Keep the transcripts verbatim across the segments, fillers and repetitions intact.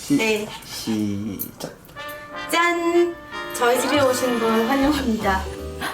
네. 시작. 짠! 저희 집에 오신 분 환영합니다.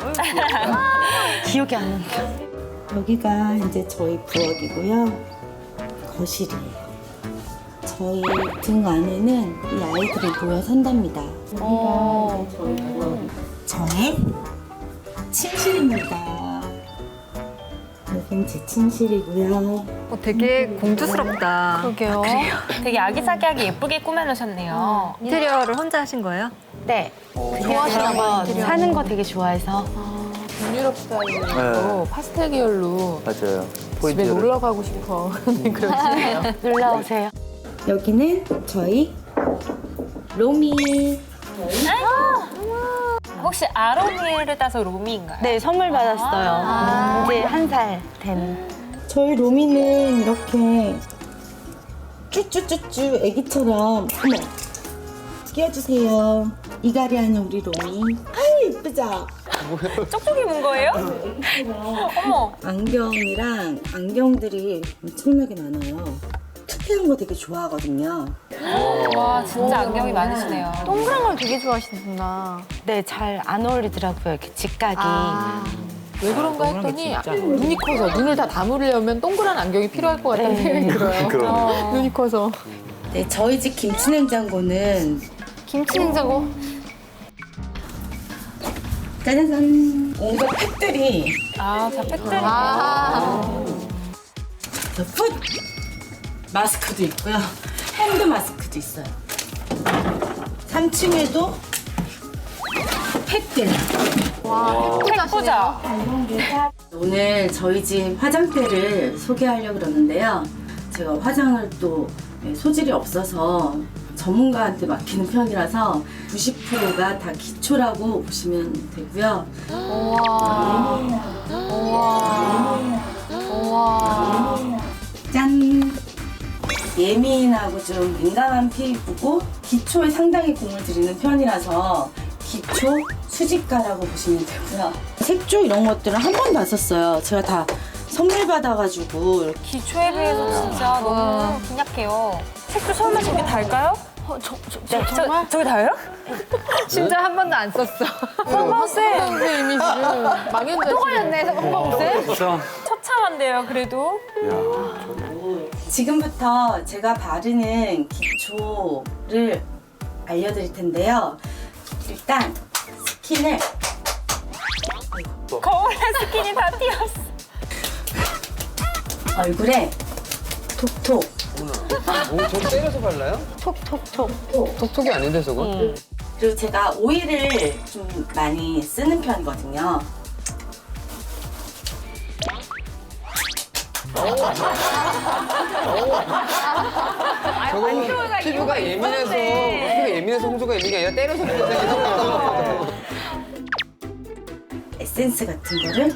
기억이 안 난다. 여기가 이제 저희 부엌이고요. 거실이에요. 저희 등 안에는 이 아이들이 모여 산답니다. 여기가 저희 부엌. 저의 침실입니다. 여긴 제 침실이고요. 어, 되게 공주스럽다. 그러게요. 되게 아기자기하게 예쁘게 꾸며놓으셨네요. 인테리어를 혼자 하신 거예요? 네. 좋아하시나 거 사는 거 되게 좋아해서. 북유럽 스타일로 네. 파스텔 계열로 맞아요. 집에 포인트를. 놀러 가고 싶어. 그러시네요. 놀러 오세요. 여기는 저희 로미. 혹시 아로니를 따서 로미인가요? 네, 선물 받았어요. 이제 한 살 된. 저희 로미는 이렇게 쭈쭈쭈쭈 애기처럼 어머 끼워주세요. 이갈이 하는 우리 로미. 아이 예쁘죠? 쪽쪽이 문 거예요? 어머. 안경이랑 안경들이 엄청나게 많아요. 특이한 거 되게 좋아하거든요. 와 진짜 안경이 많으시네요. 동그란 걸 되게 좋아하시는구나. 네, 잘 안 어울리더라고요. 이렇게 직각이. 왜 그런가 했더니 눈이 커서 눈을 다 담으려면 동그란 안경이 필요할 것 같다는 생각이 들어요. 그러네. 눈이 커서. 네, 저희 집 김치냉장고는 김치 냉장고. 짜자잔 온갖 팩들이 아, 자 팩들이. 아. 저 풋 마스크도 있고요. 핸드 마스크도 있어요. 삼 층에도 팩들. 예쁘죠? 오늘 저희 집 화장대를 소개하려고 그러는데요. 제가 화장을 또 소질이 없어서 전문가한테 맡기는 편이라서 구십 퍼센트가 다 기초라고 보시면 되고요. 짠! 예민하고 좀 민감한 피부고 기초에 상당히 공을 들이는 편이라서 기초 수집가라고 보시면 되고요. 색조 이런 것들은 한 번도 안 썼어요. 제가 다 선물 받아가지고 이렇게 기초에 비해서 진짜 너무 빈약해요. 색도 설마 저기 달까요? 어, 저, 저, 네, 저, 저기 달아요? 진짜 한 번도 안 썼어. 성범쌤 이미지를 망연자실. 또 걸렸네, 성범쌤. 처참한데요, 그래도. 지금부터 제가 바르는 기초를 알려드릴 텐데요. 일단 스킨을 거울에 스킨이 다 튀었어. 얼굴에 톡톡 오, 저거 때려서 발라요? 톡톡톡 톡톡이 아닌데 저거? 그리고 제가 오일을 좀 많이 쓰는 편이거든요. 저거 피부가 예민해서 피부가 예민해서 홍조가 있는 게 아니라 때려서 발라요. 에센스 같은 거를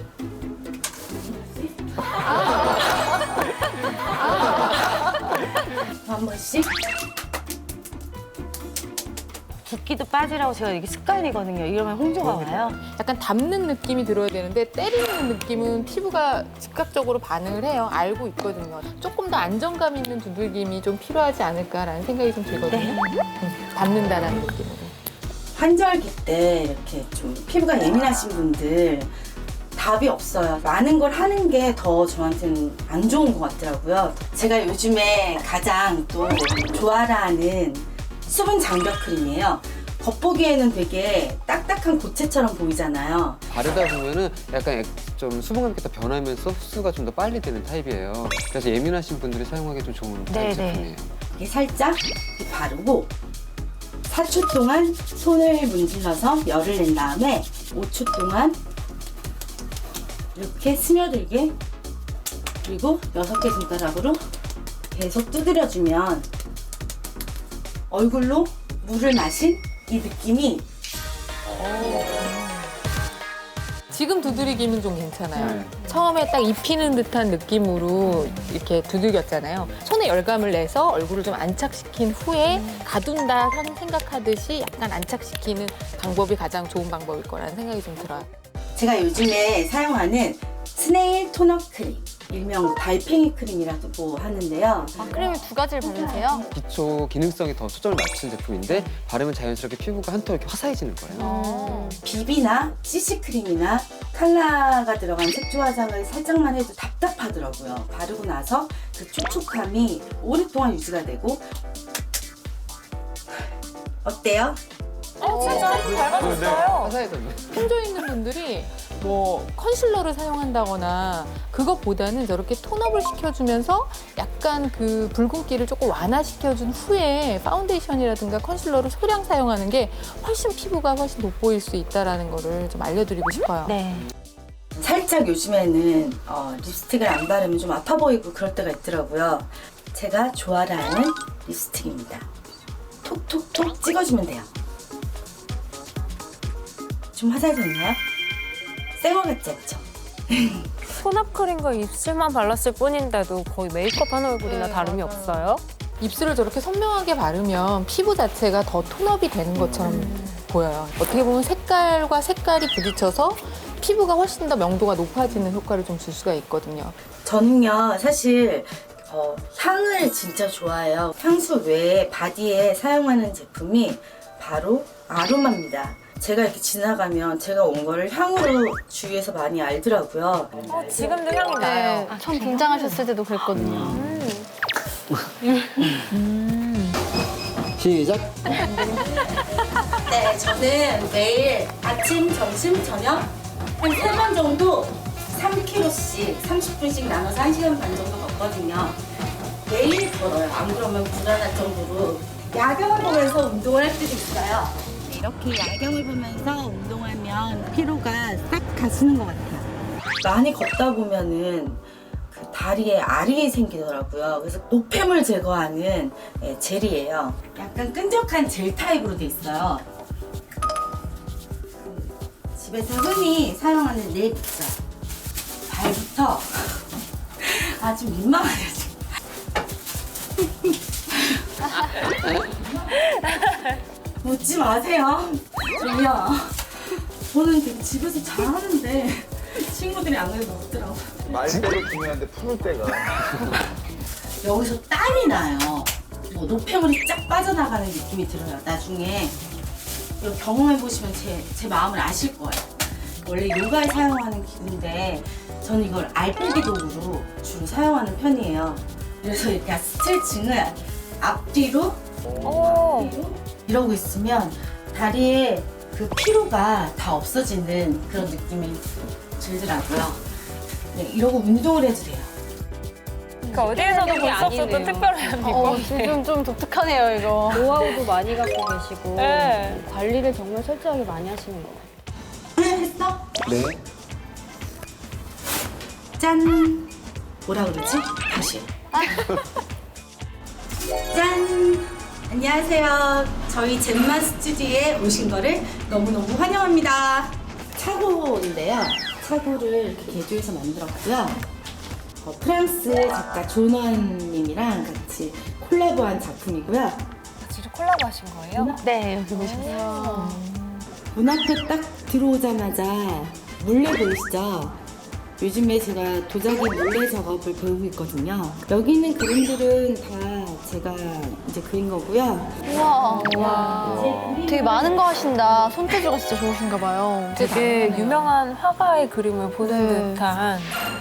한 번씩 붓기도 빠지라고 제가 이게 습관이거든요. 이러면 홍조가 와요. 약간 담는 느낌이 들어야 되는데 때리는 느낌은 피부가 즉각적으로 반응을 해요. 알고 있거든요. 조금 더 안정감 있는 두들김이 좀 필요하지 않을까라는 생각이 좀 들거든요. 음, 담는다라는 느낌으로. 환절기 때 이렇게 좀 피부가 예민하신 분들 답이 없어요. 많은 걸 하는 게 더 저한테는 안 좋은 것 같더라고요. 제가 요즘에 가장 또 좋아하는 수분 장벽 크림이에요. 겉보기에는 되게 딱딱한 고체처럼 보이잖아요. 바르다 보면은 약간 액- 좀 수분감이 더 변하면서 흡수가 좀 더 빨리 되는 타입이에요. 그래서 예민하신 분들이 사용하기 좀 좋은 타입 네네. 제품이에요. 이렇게 살짝 이렇게 바르고 사 초 동안 손을 문질러서 열을 낸 다음에 오 초 동안 이렇게 스며들게 그리고 여섯 개 손가락으로 계속 두드려주면 얼굴로 물을 마신 이 느낌이 지금 두드리기는 좀 괜찮아요. 네. 처음에 딱 입히는 듯한 느낌으로 이렇게 두들겼잖아요. 손에 열감을 내서 얼굴을 좀 안착시킨 후에 가둔다 생각하듯이 약간 안착시키는 방법이 가장 좋은 방법일 거라는 생각이 좀 들어요. 제가 요즘에 사용하는 스네일 토너 크림 일명 달팽이 크림이라고 하는데요. 아, 크림을 두 가지를 바르세요? 기초 기능성에 더 초점을 맞춘 제품인데 바르면 자연스럽게 피부가 한통 이렇게 화사해지는 거예요. 어. 비비나 씨씨크림이나 컬러가 들어간 색조 화장을 살짝만 해도 답답하더라고요. 바르고 나서 그 촉촉함이 오랫동안 유지가 되고. 어때요? 어, 진짜 한번 닮아졌어요. 화사해졌네. 혼조 있는 분들이 뭐 컨실러를 사용한다거나 그것보다는 저렇게 톤업을 시켜주면서 약간 그 붉은기를 조금 완화시켜준 후에 파운데이션이라든가 컨실러를 소량 사용하는 게 훨씬 피부가 훨씬 돋보일 수 있다는 거를 좀 알려드리고 싶어요. 네. 살짝 요즘에는 어, 립스틱을 안 바르면 좀 아파 보이고 그럴 때가 있더라고요. 제가 좋아하는 립스틱입니다. 톡톡톡 찍어주면 돼요. 좀 화사해졌나요? 새거 같지 않죠? 혼합 크림과 입술만 발랐을 뿐인데도 거의 메이크업 한 얼굴이나 네, 다름이 맞아요. 없어요. 입술을 저렇게 선명하게 바르면 피부 자체가 더 톤업이 되는 것처럼 보여요. 어떻게 보면 색깔과 색깔이 부딪혀서 피부가 훨씬 더 명도가 높아지는 효과를 좀 줄 수가 있거든요. 저는요 사실 어, 향을 진짜 좋아해요. 향수 외에 바디에 사용하는 제품이 바로 아로마입니다. 제가 이렇게 지나가면 제가 온 거를 향으로 주위에서 많이 알더라고요. 어, 지금도 향이 나요. 네, 처음 등장하셨을 때도 그랬거든요. 시작. 네, 저는 매일 아침, 점심, 저녁 한 세 번 정도 삼 킬로미터씩 삼십 분씩 나눠서 한 시간 반 정도 걷거든요. 매일 걸어요. 안 그러면 불안할 정도로 야경을 보면서 운동을 할 때도 있어요. 네, 이렇게 야경을 보면서 운동하면 피로가 싹 가시는 것 같아요. 많이 걷다 보면은 그 다리에 알이 생기더라고요. 그래서 노폐물 제거하는 예, 젤이에요. 약간 끈적한 젤 타입으로 돼 있어요. 집에서 흔히 사용하는 네일 붓죠. 발부터 아 좀 민망하네요 지금. 웃지 마세요. 저기요. 저는 되게 집에서 잘하는데 친구들이 안 그래도 웃더라고. 말대로 중요한데 푸는 때가. 여기서 땀이 나요. 뭐 노폐물이 쫙 빠져나가는 느낌이 들어요. 나중에 이거 경험해 보시면 제, 제 마음을 아실 거예요. 원래 요가에 사용하는 기구인데 저는 이걸 알배기 도구로 주로 사용하는 편이에요. 그래서 이렇게 스트레칭을 앞뒤로 오. 앞뒤로 이러고 있으면 다리에 그 피로가 다 없어지는 그런 느낌이 들더라고요. 네, 이러고 운동을 해도 돼요. 그러니까 어디에서도 볼 수 없었던 특별한 어, 비법. 좀, 좀 독특하네요, 이거. 노하우도 많이 갖고 계시고 네. 관리를 정말 철저하게 많이 하시는 것 같아요. 했어? 네. 짠! 뭐라 그러지? 다시. 짠! 안녕하세요. 저희 젠마 스튜디오에 오신 거를 너무너무 환영합니다. 차고인데요. 차고를 이렇게 개조해서 만들었고요. 어, 프랑스 작가 존원님이랑 같이 콜라보한 작품이고요. 진짜 콜라보 하신 거예요? 네, 여기 보셨어요. 문 앞에 딱 들어오자마자 물레 보이시죠? 요즘에 제가 도자기 물레 작업을 배우고 있거든요. 여기 있는 그림들은 다 제가 이제 그린 거고요. 우와. 되게 많은 거 하신다. 손재주가 진짜 좋으신가 봐요. 되게 유명한 화가의 그림을 보는 네. 듯한.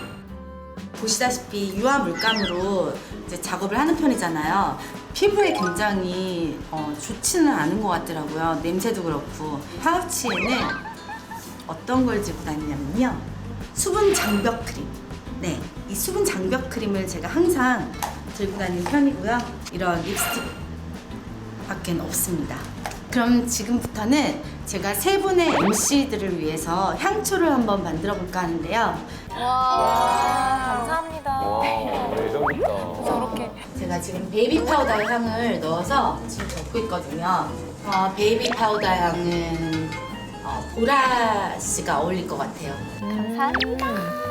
보시다시피 유화 물감으로 이제 작업을 하는 편이잖아요. 피부에 굉장히 어, 좋지는 않은 것 같더라고요. 냄새도 그렇고. 파우치에는 어떤 걸 들고 다니냐면요. 수분 장벽 크림. 네, 이 수분 장벽 크림을 제가 항상 들고 다니는 편이고요. 이런 립스틱 밖엔 없습니다. 그럼 지금부터는 제가 세 분의 엠씨들을 위해서 향초를 한번 만들어 볼까 하는데요. 감사합니다. 와, 예전부터. 저렇게. 제가 지금 베이비 파우더 향을 넣어서 지금 적고 있거든요. 어, 베이비 파우더 향은 어, 보라 씨가 어울릴 것 같아요. 감사합니다.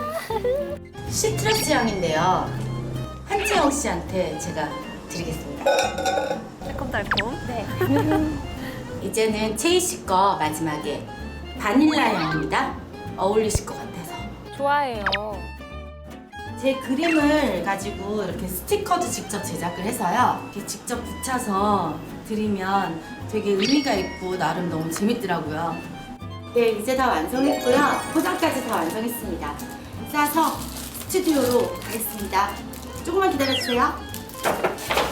시트러스 향인데요. 한채영 씨한테 제가 드리겠습니다. 달콤달콤. 네. 이제는 채희 씨 거 마지막에 바닐라 향입니다. 어울리실 것 같아서. 좋아해요. 제 그림을 가지고 이렇게 스티커도 직접 제작을 해서요. 이렇게 직접 붙여서 드리면 되게 의미가 있고 나름 너무 재밌더라고요. 네, 이제 다 완성했고요. 포장까지 다 완성했습니다. 싸서 스튜디오로 가겠습니다. 조금만 기다려주세요.